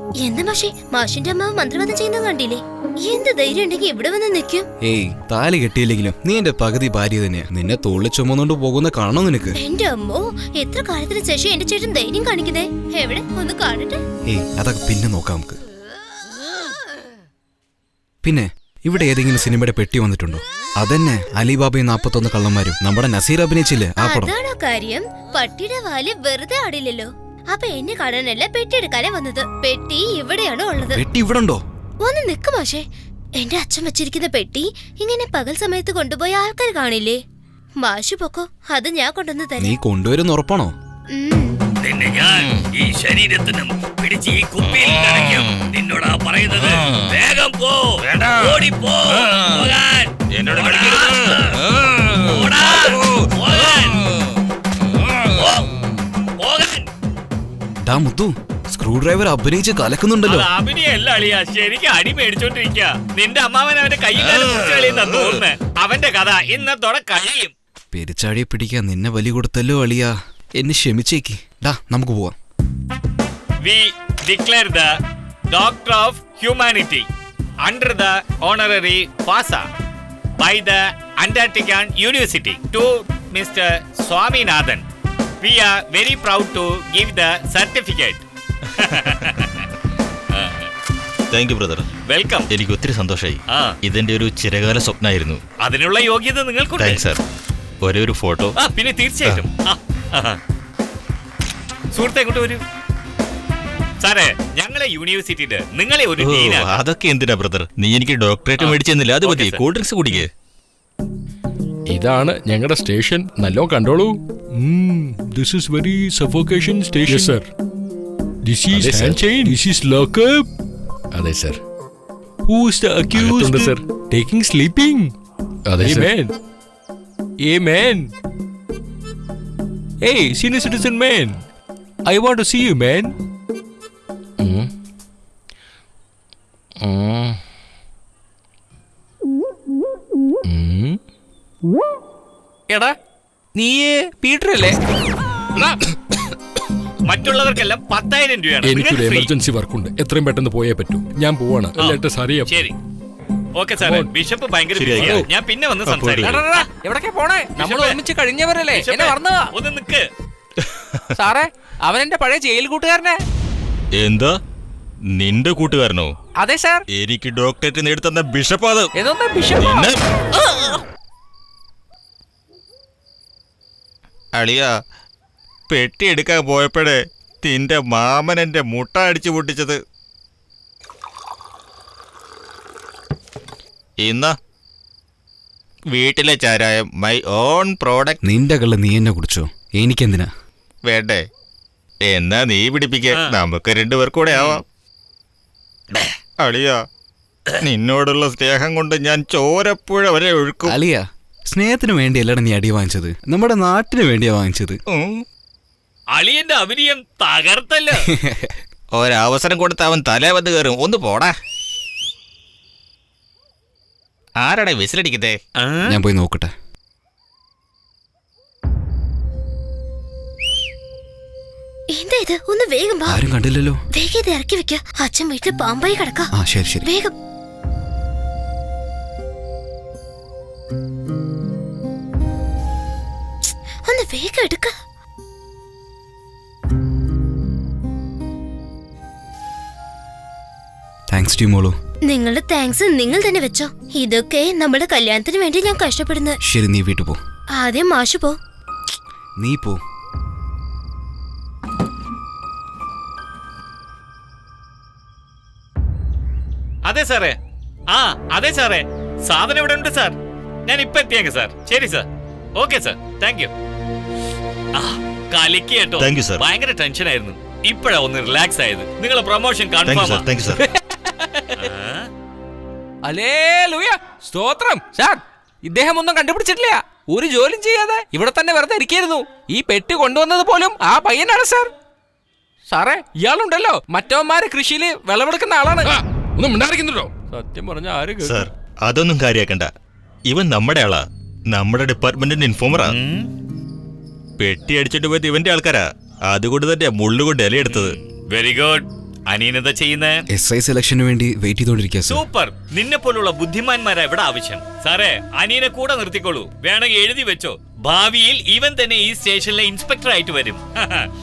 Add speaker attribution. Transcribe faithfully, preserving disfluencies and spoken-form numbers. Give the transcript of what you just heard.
Speaker 1: എന്താ മാഷേ, മാഷിന്റെ അമ്മ മന്ത്രവാദം ചെയ്യുന്നത് കണ്ടില്ലേ? എന്ത് ധൈര്യം ഉണ്ടെങ്കിൽ ഇവിടെ വന്ന് നിൽക്കും.
Speaker 2: ഏയ്, താലി കെട്ടിയില്ലെങ്കിലും നീ എന്റെ പകുതി ഭാര്യ തന്നെയാ. നിന്നെ തോളിൽ ചുമന്നുകൊണ്ട് പോകുന്ന കാണോ നിനക്ക്?
Speaker 1: എന്റെ അമ്മോ, എത്ര കാലത്തിന് ശേഷം എന്റെ ചേട്ടൻ ധൈര്യം കാണിക്കുന്നേ. എവിടെ ഒന്ന് കാണട്ടെ.
Speaker 2: ഏയ്, അതൊക്കെ പിന്നെ നോക്കാം നമുക്ക്. പിന്നെ ഇവിടെ ഏതെങ്കിലും സിനിമയുടെ പെട്ടി വന്നിട്ടുണ്ടോ? അതന്നെ അലിബാബയും നാപ്പത്തൊന്ന് കള്ളന്മാരും നമ്മുടെ നസീർ അഭിനയിച്ചില്ലേ ആ പടം.
Speaker 1: അതാണോ കാര്യം? പട്ടിയുടെ വാല് വെറുതെ ആടില്ലല്ലോ. അപ്പൊ എന്നെ കാണാനല്ല പെട്ടി എടുക്കാനേ വന്നത്. പെട്ടി ഇവിടെയാണോ ഉള്ളത്?
Speaker 2: പെട്ടി ഇവിടെ ഉണ്ടോ?
Speaker 1: ഒന്ന് നിക്ക് മാഷേ. എന്റെ അച്ഛൻ വെച്ചിരിക്കുന്ന പെട്ടി ഇങ്ങനെ പകൽ സമയത്ത് കൊണ്ടുപോയ ആൾക്കാർ കാണില്ലേ? മാഷു പൊക്കോ, അത് ഞാൻ കൊണ്ടുവന്ന് തരാം.
Speaker 2: നീ കൊണ്ടുവരുന്ന ഉറപ്പാണോ?
Speaker 3: നിന്നെ ഞാൻ ഈ ശരീരത്തിനും പിടിച്ച് ഈ കുപ്പിയിൽ കിടക്കും. നിന്നോടാ പറയുന്നത്, വേഗം പോ, ഓടിപ്പോ. എന്നോട്
Speaker 2: മുത്തു, സ്ക്രൂ ഡ്രൈവർ അഭിനയിച്ച് കലക്കുന്നുണ്ടല്ലോ.
Speaker 3: അഭിനയല്ല അളിയ, ശരിക്കും അടി മേടിച്ചോണ്ടിരിക്ക. നിന്റെ അമ്മാവൻ അവന്റെ കൈകാലിയെന്നാ തോന്നുന്നേ. അവന്റെ കഥ ഇന്നത്തോടെ കഴിയും.
Speaker 2: പെരിച്ചാഴിയെ പിടിക്കാൻ നിന്നെ ബലി കൊടുത്തല്ലോ അളിയ. എന്നെ ക്ഷമിച്ചേക്ക്. ഡാ, നമുക്ക് പോവാം.
Speaker 3: We declare the Doctor of Humanity under the honorary FASA by the Antarctican University to Mister Swaminathan. We are very proud to give the certificate.
Speaker 4: Thank you brother.
Speaker 3: Welcome.
Speaker 4: എനിക്ക് ഒത്തിരി സന്തോഷമായി. ഇതെന്റെ ഒരു ചിരകാല സ്വപ്നമായിരുന്നു.
Speaker 3: അതിനുള്ള യോഗ്യത നിങ്ങൾക്കുണ്ട്.
Speaker 4: Thanks sir. ഒരേ ഒരു ഫോട്ടോ.
Speaker 3: ആ, പിന്നെ തീർച്ചയായിട്ടും. സുഹൃത്തെ, ഇങ്ങോട്ട് വരൂ. സാറേ, ഞങ്ങളെ യൂണിവേഴ്സിറ്റിയുടെ നിങ്ങളെ ഒരു
Speaker 4: അതൊക്കെ എന്തിനാ ബ്രദർ? നീ എനിക്ക് ഡോക്ടറേറ്റ് മേടിച്ചെന്നില്ല, അത് മതി. കൂൾ ഡ്രിങ്ക്സ് കുടിക്കേ.
Speaker 5: ഇതാണ് ഞങ്ങളുടെ സ്റ്റേഷൻ. നല്ലോ കണ്ടോളൂ. This is very suffocation station sir. This is hand chain. This is lockup. അതെ sir. Who is the accused sir? Taking sleeping. അതെ സർ. ആമേൻ. ആമേൻ. Hey, senior citizen man, I want to see you, man. Mm. Mm. Mm.
Speaker 6: എടാ, നീ Peter അല്ലേ?
Speaker 3: മറ്റുള്ളവർക്കെല്ലാം പത്തായിരം രൂപയാണ്.
Speaker 5: എനിക്കൊരു എമർജൻസി വർക്കുണ്ട്. എത്രയും പെട്ടെന്ന് പോയേ പറ്റൂ. ഞാൻ പോവാണ്.
Speaker 3: ശരി, ഓക്കെ സാറേ. ബിഷപ്പ് ഭയങ്കര ബിസിയാണ്. ഞാൻ പിന്നെ വന്ന് സംസാരിക്കാം.
Speaker 6: എവിടേക്കാ പോണേ? നമ്മൾ ഒരുമിച്ച് കഴിഞ്ഞവരല്ലേ? എന്നെ മറന്നതാ.
Speaker 3: ഒന്ന് നിക്ക്
Speaker 6: സാറേ, അവൻ എന്റെ പഴയ ജയിൽ കൂട്ടുകാരനെ.
Speaker 4: എന്താ, നിന്റെ കൂട്ടുകാരനോ?
Speaker 6: അതെ സാർ.
Speaker 4: എനിക്ക് ഡോക്ടറേറ്റ് നേടിത്തന്ന ബിഷപ്പ്. അത്
Speaker 6: ഏതൊന്നാ ബിഷപ്പ്?
Speaker 4: അളിയ, പെട്ടി എടുക്കാൻ പോയപ്പോഴേ നിന്റെ മാമൻ എന്റെ മുട്ട അടിച്ചു പൊട്ടിച്ചത്. ഇന്ന വീട്ടിലെ ചാരായം, മൈ ഓൺ പ്രോഡക്റ്റ്.
Speaker 2: നിന്റെ കള്ള് നീ എന്നെ കുടിച്ചോ? എനിക്കെന്തിനാ?
Speaker 4: വേണ്ടേ? എന്നാ നീ പിടിപ്പിക്ക, നമുക്ക് രണ്ടുപേർക്കൂടെ ആവാം. അളിയ, നിന്നോടുള്ള സ്നേഹം കൊണ്ട് ഞാൻ ചോരപ്പുഴ വരെ ഒഴുക്കും.
Speaker 2: അളിയ, സ്നേഹത്തിന് വേണ്ടിയല്ലടാ നീ അടി വാങ്ങിച്ചത്, നമ്മുടെ നാട്ടിന് വേണ്ടിയാ വാങ്ങിച്ചത്.
Speaker 3: അളിയന്റെ അഭിനയം തകർത്തല്ലോ.
Speaker 4: ഒരവസരം കൊടുത്ത് അവൻ തലേ വന്ന് കയറും. ഒന്ന് പോടാ. ആരാടെ വിസിലടിക്കട്ടെ?
Speaker 2: ഞാൻ പോയി നോക്കട്ടെ.
Speaker 1: എന്താ ഇത്? ഒന്ന് വേഗം വാ.
Speaker 2: ആരും കണ്ടില്ലല്ലോ.
Speaker 1: വേഗം ഇത് ഇറക്കി വെക്ക. അച്ഛൻ വീട്ടിൽ പാമ്പായി കിടക്കാം.
Speaker 2: ആ ശരി ശരി.
Speaker 1: വേഗം. ഒന്ന് വേഗം എടുക്ക.
Speaker 2: താങ്ക്സ് ടു മോളു.
Speaker 1: നിങ്ങളുടെ താങ്ക്സ് നിങ്ങൾ തന്നെ വെച്ചോ. ഇതൊക്കെ നമ്മുടെ കല്യാണത്തിന് വേണ്ടി ഞാൻ കഷ്ടപ്പെടുന്നത്.
Speaker 2: ശരി, നീ വീട്ടിൽ പോ.
Speaker 1: ആദ്യം മാഷു പോ.
Speaker 2: നീ പോ.
Speaker 3: അതെ സാറേ. ആ അതെ സാറേ, സാധനം ഇവിടെ ഉണ്ട് സാർ. ഞാൻ ഇപ്പൊ എത്തിയേക്കാം സാർ. ശരി sir. Okay sir, thank you. കലിക്ക് കേട്ടോ. ഭയങ്കര ടെൻഷൻ ആയിരുന്നു. ഇപ്പഴാ ഒന്ന് റിലാക്സ് ആയത്. നിങ്ങളെ പ്രൊമോഷൻ കൺഫേം.
Speaker 6: ഹല്ലേലൂയ, സ്തോത്രം. സാർ, ഇദ്ദേഹം ഒന്നും കണ്ടുപിടിച്ചിട്ടില്ല. ഒരു ജോലിയും ചെയ്യാതെ ഇവിടെ തന്നെ വെറുതെ ഇരിക്കായിരുന്നു. ഈ പെട്ടി കൊണ്ടുവന്നത് പോലും ആ പയ്യനാണ് സാർ. സാറേ, ഇയാളുണ്ടല്ലോ മറ്റവന്മാര് കൃഷിയില് വിളവെടുക്കുന്ന ആളാണ്.
Speaker 5: ഒന്നും മിണ്ടായിരിക്കുന്നുണ്ടോ? സത്യം പറഞ്ഞ ആരും
Speaker 4: സാർ, അതൊന്നും കാര്യാക്കണ്ട. ഇവൻ നമ്മുടെ ആളാ, നമ്മുടെ ഡിപ്പാർട്ട്മെന്റിന്റെ ഇൻഫോമറാ. പെട്ടി അടിച്ചിട്ട് പോയത് ഇവന്റെ ആൾക്കാരാ. അതുകൊണ്ട് തന്നെ മുള്ളുകൊണ്ട് ഇലയെടുത്തത്.
Speaker 3: Very good. അനിയനെന്താ ചെയ്യുന്നേ?
Speaker 2: എസ് ഐ സെലക്ഷന് വേണ്ടി വെയിറ്റ് ചെയ്തോണ്ടിരിക്കുക സാർ.
Speaker 3: സൂപ്പർ. നിന്നെ പോലുള്ള ബുദ്ധിമാന്മാരാ ഇവിടെ ആവശ്യം. സാറേ, അനിയനെ കൂടെ നിർത്തിക്കോളൂ. വേണമെങ്കിൽ എഴുതി വെച്ചോ, ഭാവിയിൽ ഇവൻ തന്നെ ഈ സ്റ്റേഷനിലെ ഇൻസ്പെക്ടർ ആയിട്ട് വരും.